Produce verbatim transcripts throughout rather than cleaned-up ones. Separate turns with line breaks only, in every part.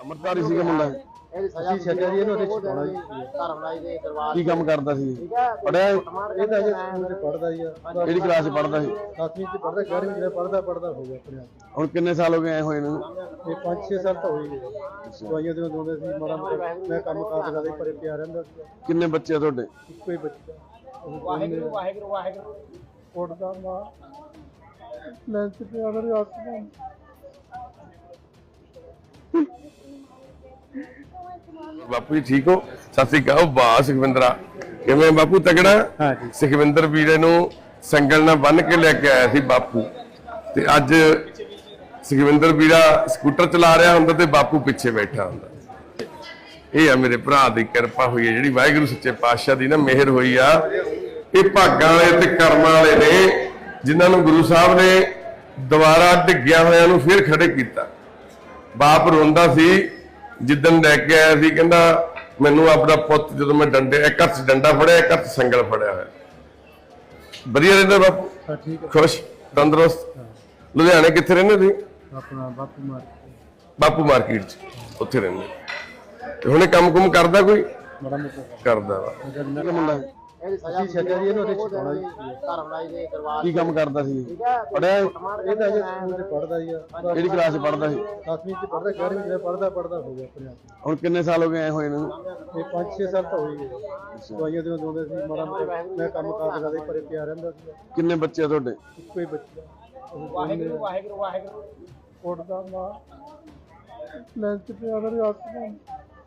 ਅਮਰਤਾਰੀ ਸੀਗਾ ਮੁੰਡਾ
ਇਹਦੀ ਸਜ਼ਾ ਛੱਡਿਆ ਜੀ ਇਹਨੂੰ ਉਹਦੇ ਛੁਡਾਉਣਾ ਜੀ ਧਰਮਰਾਜ ਦੇ ਦਰਬਾਰ
ਕੀ ਕੰਮ ਕਰਦਾ ਸੀ? ਪੜਿਆ
ਇਹ ਤਾਂ ਅਜੇ ਸਕੂਲ ਚ ਪੜਦਾ ਜੀ
ਕਿਹੜੀ ਕਲਾਸ ਚ ਪੜਦਾ ਸੀ?
ਦਸਵੀਂ ਚ ਪੜਦਾ ਗਿਆਰਵੀਂ ਚ ਪੜਦਾ ਪੜਦਾ ਹੋ ਗਿਆ ਆਪਣੇ ਆਪ
ਹੁਣ ਕਿੰਨੇ ਸਾਲ ਹੋ ਗਏ ਆਏ ਹੋਏ ਨੂੰ?
ਇਹ ਪੰਜ ਛੇ ਸਾਲ ਤਾਂ ਹੋਈ ਗਏ ਦਵਾਈਆਂ ਦੇ ਦੋਂਦੇ ਸੀ ਮਾੜਾ ਮੋਟਾ ਮੈਂ ਕੰਮ ਕਾਰ ਕਰਦਾ ਸੀ ਪਰੇ ਪਿਆ ਰਹਿੰਦਾ ਸੀ।
ਕਿੰਨੇ ਬੱਚੇ ਆ ਤੁਹਾਡੇ?
ਇੱਕੋ ਹੀ ਬੱਚਾ ਵਾਹਿਗੁਰੂ ਵਾਹਿਗੁਰੂ ਵਾਹਿਗੁਰੂ ਉੱਡਦਾ ਮਾਂ ਲੈਂਚ ਤੇ ਆਦਰ ਆਸਮਾਨ
ਬਾਪੂ ਜੀ ਠੀਕ ਹੋ? ਸਤਿ ਸ੍ਰੀ ਅਕਾਲ। ਵਾਹ ਸੁਖਵਿੰਦਰਾ, ਕਿਵੇਂ ਬਾਪੂ? ਤਗੜਾ।
ਹਾਂ ਜੀ।
ਸੁਖਵਿੰਦਰ ਵੀਰੇ ਨੂੰ ਸੰਗਲ ਨਾਲ ਬੰਨ ਕੇ ਲੈ ਕੇ ਆਇਆ ਸੀ ਬਾਪੂ, ਤੇ ਅੱਜ ਸੁਖਵਿੰਦਰ ਵੀਰਾ ਸਕੂਟਰ ਚਲਾ ਰਿਹਾ ਹੁੰਦਾ ਤੇ ਬਾਪੂ ਪਿੱਛੇ ਬੈਠਾ ਹੁੰਦਾ। ਇਹ ਆ ਮੇਰੇ ਭਰਾ ਦੀ ਕਿਰਪਾ ਹੋਈ ਹੈ, ਜਿਹੜੀ ਵਾਹਿਗੁਰੂ ਸੱਚੇ ਪਾਤਸ਼ਾਹ ਦੀ ਨਾ ਮਿਹਰ ਹੋਈ ਆ। ਇਹ ਭਾਗਾਂ ਵਾਲੇ ਤੇ ਕਰਮਾਂ ਵਾਲੇ ਨੇ ਜਿਨ੍ਹਾਂ ਨੂੰ ਗੁਰੂ ਸਾਹਿਬ ਨੇ ਦੁਬਾਰਾ ਡਿੱਗਿਆ ਹੋਇਆਂ ਨੂੰ ਫਿਰ ਖੜੇ ਕੀਤਾ। ਬਾਪ ਰੋਂਦਾ ਸੀ ਜਿੱਦਣ ਲੈ ਕੇ ਆਇਆ ਸੀ, ਕਹਿੰਦਾ ਮੈਨੂੰ ਆਪਣਾ ਪੁੱਤ ਜਦੋਂ ਮੈਂ ਡੰਡੇ ਇੱਕ ਹੱਥ ਡੰਡਾ ਫੜਿਆ ਇੱਕ ਹੱਥ ਸੰਗਲ ਫੜਿਆ ਹੋਇਆ। ਵਧੀਆ ਰਹਿੰਦਾ ਬਾਪੂ?
ਹਾਂ ਠੀਕ ਹੈ।
ਖੁਸ਼ ਤੰਦਰੁਸਤ? ਲੁਧਿਆਣੇ ਕਿੱਥੇ ਰਹਿੰਦੇ ਤੁਸੀਂ?
ਆਪਣਾ ਬਾਪੂ ਮਾਰ
ਬਾਪੂ ਮਾਰਕੀਟ ਚ ਉੱਥੇ ਰਹਿੰਦੇ। ਤੇ ਹੁਣੇ ਕੰਮ ਕੁਮ ਕਰਦਾ ਕੋਈ?
ਬੜਾ ਮੋਟਾ
ਕਰਦਾ ਵਾ।
ਮੁੰਡਾ
ਇਹਦੀ ਸਜ਼ਾ ਛੱਡਿਆ ਜੀ ਇਹਨੂੰ ਉਹਦੇ ਛੁਡਾਉਣਾ ਜੀ ਧਰਮਰਾਜ ਦੇ ਦਰਬਾਰ
ਕੀ ਕੰਮ ਕਰਦਾ ਸੀ? ਪੜਿਆ
ਇਹ ਤਾਂ ਅਜੇ ਸਕੂਲ ਚ ਪੜਦਾ ਜੀ
ਕਿਹੜੀ ਕਲਾਸ ਚ ਪੜਦਾ ਸੀ?
ਦਸਵੀਂ ਚ ਪੜਦਾ ਗਿਆਰਵੀਂ ਚ ਪੜਦਾ ਪੜਦਾ ਹੋ ਗਿਆ ਆਪਣੇ ਆਪ
ਹੁਣ ਕਿੰਨੇ ਸਾਲ ਹੋ ਗਏ ਆਏ ਹੋਏ ਨੂੰ?
ਇਹ ਪੰਜ ਛੇ ਸਾਲ ਤਾਂ ਹੋਈ ਗਏ ਦਵਾਈਆਂ ਦੇ ਦੋਂਦੇ ਸੀ ਮਾੜਾ ਮੋਟਾ ਮੈਂ ਕੰਮ ਕਾਰ ਕਰਦਾ ਸੀ ਪਰੇ ਪਿਆ ਰਹਿੰਦਾ ਸੀ।
ਕਿੰਨੇ ਬੱਚੇ ਆ ਤੁਹਾਡੇ?
ਇੱਕੋ ਹੀ ਬੱਚਾ ਵਾਹਿਗੁਰੂ ਵਾਹਿਗੁਰੂ ਵਾਹਿਗੁਰੂ ਉੱਡਦਾ ਮਾਂ ਲੈਂਚ ਤੇ ਆਦਰ ਆਸਮਾਨ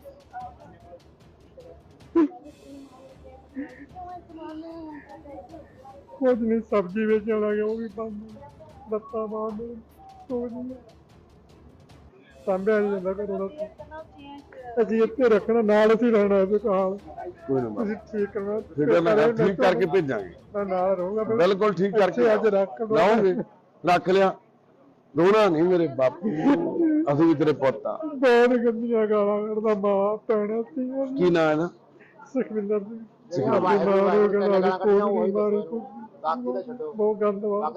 ਕੁਝ ਨਹੀਂ ਸਬਜ਼ੀ ਵੇਚਣ ਲੱਗੇ ਉਹ ਵੀ ਬੰਦ ਲੱਤਾਂ ਬਾਂਧ ਤੋੜਨੀ ਸਾਂਭਿਆ ਨਹੀਂ ਜਾਂਦਾ ਘਰੋਂ ਦਾ। ਅਸੀਂ ਇੱਥੇ ਰੱਖਣਾ ਨਾਲ ਅਸੀਂ ਰਹਿਣਾ ਇਸ ਹਾਲ
ਕੋਈ ਨਾ
ਤੁਸੀਂ ਠੀਕ ਕਰਨਾ
ਫਿਰ ਮੈਂ ਠੀਕ ਕਰਕੇ ਭੇਜਾਂਗੇ।
ਮੈਂ ਨਾਲ ਰਹੂੰਗਾ
ਬਿਲਕੁਲ ਠੀਕ ਕਰਕੇ
ਅੱਜ ਰੱਖ
ਲਾਉਂਗੇ। ਰੱਖ ਲਿਆ, ਰੋਣਾ ਨਹੀਂ ਮੇਰੇ ਬਾਪੂ, ਅਸੀਂ ਵੀ ਤੇਰੇ ਪੁੱਤ ਆ।
ਬਹੁਤ ਗੰਦੀਆਂ ਗਾਲਾਂ ਕੱਢਦਾ ਮਾਂ ਭੈਣਾਂ ਸੀ।
ਕੀ ਨਾਂ ਹੈ ਨਾ?
ਸੁਖਵਿੰਦਰ ਸਿੰਘ। ਬਹੁਤ ਗੰਦ ਵਾ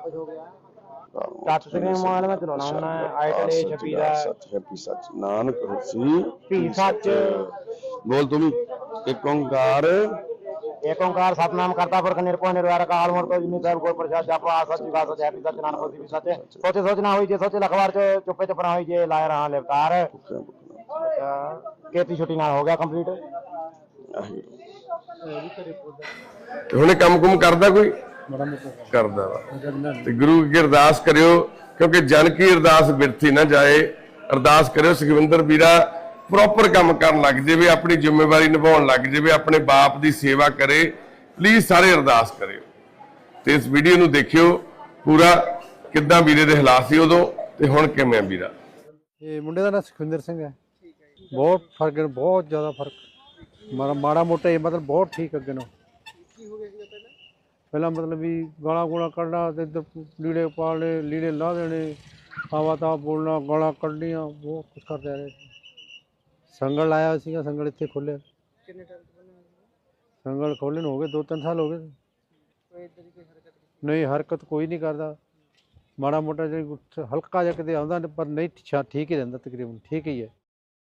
ਟੱਚ ਸਕਰੀਨ ਮੋਬਾਈਲ ਮੈਂ ਚਲਾਉਣਾ ਹੁਣ ਆਈਟਲ ਏ ਛੱਬੀ ਦਾ
ਸੱਚ ਹੈਪੀ ਸੱਚ ਨਾਨਕ ਹੋਸੀ
ਭੀ ਸੱਚ
ਬੋਲ ਤੂੰ ਵੀ। ਇੱਕ ਓੰਕਾਰ
ਏਕ ਓੰਕਾਰ ਸਤਨਾਮ ਕਰਤਾ ਪੁਰਖ ਨਿਰਭਉ ਨਿਰਵੈਰ ਅਕਾਲ ਮੂਰਤ ਅਜੂਨੀ ਸਾਹਿਬ ਗੁਰ ਪ੍ਰਸਾਦ ਜਪ ਆ ਸੱਚ ਜੁਗਾ ਸੱਚ ਹੈਪੀ ਸੱਚ ਨਾਨਕ ਹੋਸੀ ਵੀ ਸੱਚ ਸੋਚੇ ਸੋਚ ਨਾ ਹੋਈ ਜੇ ਸੋਚੇ ਲਖਵਾਰ ਚ ਚੁੱਪੇ ਚੁੱਪ ਨਾ ਹੋਈ ਜੇ ਲਾਇ ਰਹਾ ਲਿਵਤਾਰ। ਕੀਤੀ ਛੁੱਟੀ ਨਾਲ ਹੋ ਗਿਆ ਕੰਪਲੀਟ।
ਹੁਣੇ ਕੰਮ ਕੁਮ ਕਰਦਾ ਕੋਈ?
ਬੜਾ ਮੋਟਾ
ਕਰਦਾ ਵਾ। ਤੇ ਗੁਰੂ ਅੱਗੇ ਅਰਦਾਸ ਕਰਿਓ, ਕਿਉਂਕਿ ਜਨ ਕੀ ਅਰਦਾਸ ਬਿਰਥੀ ਨਾ ਜਾਏ। ਅਰਦਾਸ ਕਰਿਓ ਸੁਖਵਿੰਦਰ ਵੀਰਾ ਪ੍ਰੋਪਰ ਕੰਮ ਕਰਨ ਲੱਗ ਜਾਵੇ, ਆਪਣੀ ਜ਼ਿੰਮੇਵਾਰੀ ਨਿਭਾਉਣ ਲੱਗ ਜਾਵੇ, ਆਪਣੇ ਬਾਪ ਦੀ ਸੇਵਾ ਕਰੇ। ਪਲੀਜ਼ ਸਾਰੇ ਅਰਦਾਸ ਕਰਿਓ ਤੇ ਇਸ ਵੀਡੀਓ ਨੂੰ ਦੇਖਿਓ ਪੂਰਾ, ਕਿੱਦਾਂ ਵੀਰੇ ਦੇ ਹਾਲਾਤ ਸੀ ਉਦੋਂ ਤੇ ਹੁਣ ਕਿਵੇਂ ਆ ਵੀਰਾ।
ਇਹ ਮੁੰਡੇ ਦਾ ਨਾਮ ਸੁਖਵਿੰਦਰ ਸਿੰਘ ਹੈ। ਬਹੁਤ ਫਰਕ ਹੈ, ਬਹੁਤ ਜ਼ਿਆਦਾ ਫਰਕ। ਮਾੜਾ ਮਾੜਾ ਮੋਟਾ ਇਹ ਮਤਲਬ ਬਹੁਤ ਠੀਕ ਅੱਗੇ ਨੂੰ। ਪਹਿਲਾਂ ਮਤਲਬ ਵੀ ਗਾਲਾਂ ਗੂਲਾਂ ਕੱਢਣਾ ਤੇ ਇੱਧਰ ਲੀੜੇ ਪਾਲਣੇ, ਲੀੜੇ ਲਾ ਦੇਣੇ, ਆਵਾ ਤਾਂ ਬੋਲਣਾ, ਗਾਲਾਂ ਕੱਢਣੀਆਂ, ਬਹੁਤ ਕੁਛ ਕਰਦੇ ਰਹੇ। ਸੰਗਲ ਲਾਇਆ ਸੀਗਾ, ਸੰਗਲ ਇੱਥੇ ਖੋਲ੍ਹਿਆ। ਸੰਗਲ ਖੋਲ੍ਹੇ ਨੂੰ ਹੋ ਗਏ ਦੋ ਤਿੰਨ ਸਾਲ ਹੋ ਗਏ। ਨਹੀਂ ਹਰਕਤ ਕੋਈ ਨਹੀਂ ਕਰਦਾ। ਮਾੜਾ ਮੋਟਾ ਜੇ ਹਲਕਾ ਜਿਹਾ ਕਿਤੇ ਆਉਂਦਾ ਪਰ ਨਹੀਂ ਠੀਕ ਹੀ ਰਹਿੰਦਾ, ਤਕਰੀਬਨ ਠੀਕ ਹੀ ਹੈ।